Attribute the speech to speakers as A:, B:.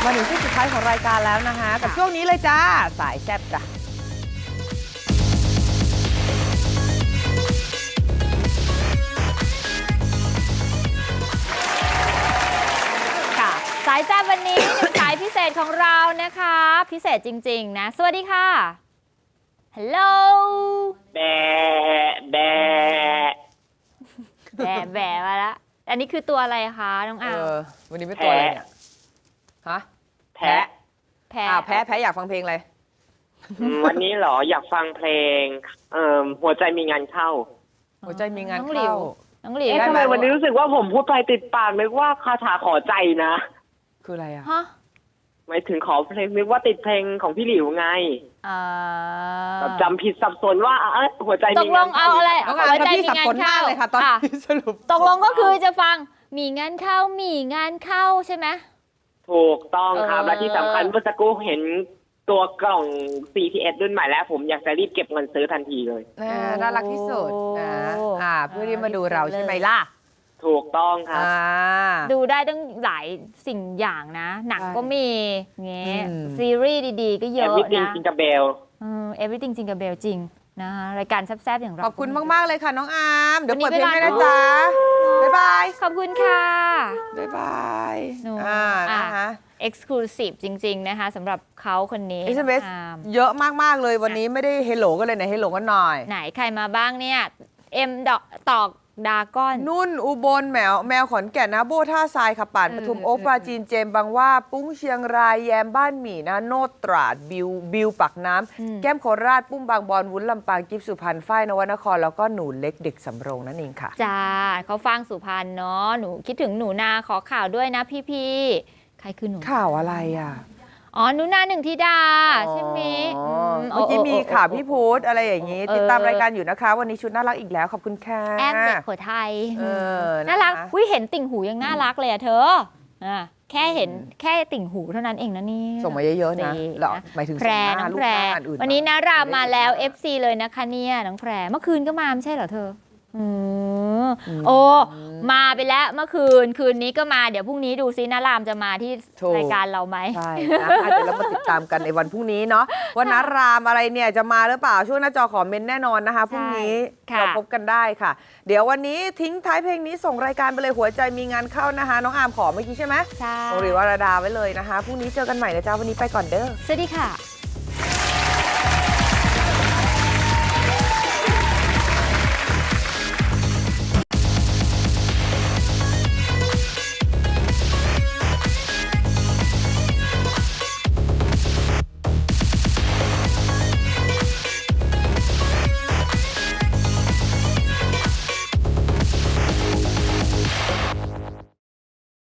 A: มาถึงช่วงสุดท้ายของรายการแล้วนะคะกับช่วงนี้เลยจ้าสายแซ่บจ้ะ
B: ค่ะสายแซ่บวันนี้ หนึ่งสายพิเศษของเรานะคะพิเศษจริงๆนะสวัสดีค่ะฮัลโหล
C: แบะแบะ
B: แบะแบะมาแล้วอันนี้คือตัวอะไรคะน้องอาว
A: วันนี้เป็นตัวอะไรเนี่ยฮะ
C: แพะ
B: แพ้
A: แพ้อยากฟังเพลงอะไร
C: วันนี้เหรออยากฟังเพลงหัวใจมีงานเข้า
A: หัวใจมีงาน
B: น้องหลิ
A: เข้าว
B: น้องหลิว
C: เอ๊ะทำไมวันนี้รู้สึกว่าผมพูดไปติดปากนึกว่าคาถาขอใจนะ
A: คืออะไรอ่ะ
B: ฮะ
C: หมายถึงขอเพลงนึกว่าติดเพลงของพี่หลิวไงแบบจำผิดสับสนว่าหัวใจ
B: ต
C: มี
B: กล
C: งาน
B: งเอาอะไร
A: น้องอาร์มกับพี่สับสนมากเลยค่ะตอนนี้สรุป
B: ตกลงก็คือจะฟังมีงานเข้ามีงานเข้าใช่ไหม
C: ถูกต้องครับ
B: เออ
C: และที่สำคัญเมื่อสักครู่เห็นตัวกล่อง CTS รุ่นใหม่แล้วผมอยากจะรีบเก็บเงินซื้อทันทีเลย
A: น่ารักที่สุดนะเพื่อที่มาดูเราใช่ไหมล่ะ
C: ถูกต้องครับ
B: ดูได้ตั้งหลายสิ่งอย่างนะ หนังก็มีเงี้ย
A: อืม
B: ซีรีส์ดีๆ ก็เยอะ
C: Everything
B: นะ
C: Jingle Bell
B: Everything Jingle Bell จริงนะคะรายการแซ่บๆอย่างเรา
A: ขอบคุณมากๆเลยค่ะน้องอาร์มเดี๋ยว
B: วันนี้
A: เปิดเพลงให้
B: เวลา
A: นะจ๊ะบ๊ายบาย
B: ขอบคุณค่ะ
A: บ๊ายบาย
B: หนู
A: นะคะ
B: Exclusive จริง ๆ นะคะสำหรับเขาคนนี้
A: SMS
B: อาร์ม
A: เยอะมากๆเลยวันนี้ไม่ได้เฮลโหลกันเลยนะเฮลโหลกันหน่อย
B: ไหนใครมาบ้างเนี่ย เอ็มดอกตอกดาก้อน
A: นุ่นอุบลแมวขอนแก่นนะโบท่าทรายค่ะป่านปทุมโอ๊คปราจีนเจมส์บางว่าปุ้งเชียงรายแยมบ้านหมี่นะโนดตราดบิวปักน้ำแก้มโคราชปุ้มบางบอนวุ้นลำปางกิฟสุพรรณฝ้ายนวนครแล้วก็หนูเล็กเด็กสำโรงนั่นเองค่ะ
B: จ้าเขาฟังสุพรรณเนาะหนูคิดถึงหนูนาขอข่าวด้วยนะพี่ๆใครคือหนู
A: ข่าวอะไรอ่ะ
B: อ๋อหนูนาหนึ่งธิดาใช่ไหม
A: เมื่อกี้มีข่าวพี่พุธอะไรอย่างนี้ ติดตามรายการอยู่นะคะ วันนี้ชุดน่ารักอีกแล้วขอบคุณค่ะ
B: แอมเด็กหัวไทย
A: นะคะ
B: น่ารักวิเห็นติ่งหูยังน่ารักเลยอะเธอแค่เห็นแค่ติ่งหูเท่านั้นเองนะนี่
A: ส่งมาเยอะๆนะหรอหมายถึง
B: แพรน้องแพรวันนี้นารามมาแล้ว FC เลยนะคะเนี่ยน้องแพรเมื่อคืนก็มาไม่ใช่เหรอเธอโอ้มาไปแล้วเมื่อคืนนี้ก็มาเดี๋ยวพรุ่งนี้ดูซินารามจะมาที่รายการเราไหม
A: ใช่นะเดี๋ยวเรามาติดตามกันในวันพรุ่งนี้เนาะว่านารามอะไรเนี่ยจะมาหรือเปล่าช่วงหน้าจอขอเมนแน่นอนนะคะพรุ่งนี้
B: ค่ะ
A: เราพบกันได้ค่ะ เดี๋ยววันนี้ทิ้งท้ายเพลงนี้ส่งรายการไปเลยหัวใจมีงานเข้านะคะน้องอาร์มขอเมื่อกี้ใช่ไหม
B: ใช่
A: โอริวรดาไว้เลยนะคะพรุ่งนี้เจอกันใหม่นะจ๊ะวันนี้ไปก่อนเด้อ
B: สวัสดีค่ะ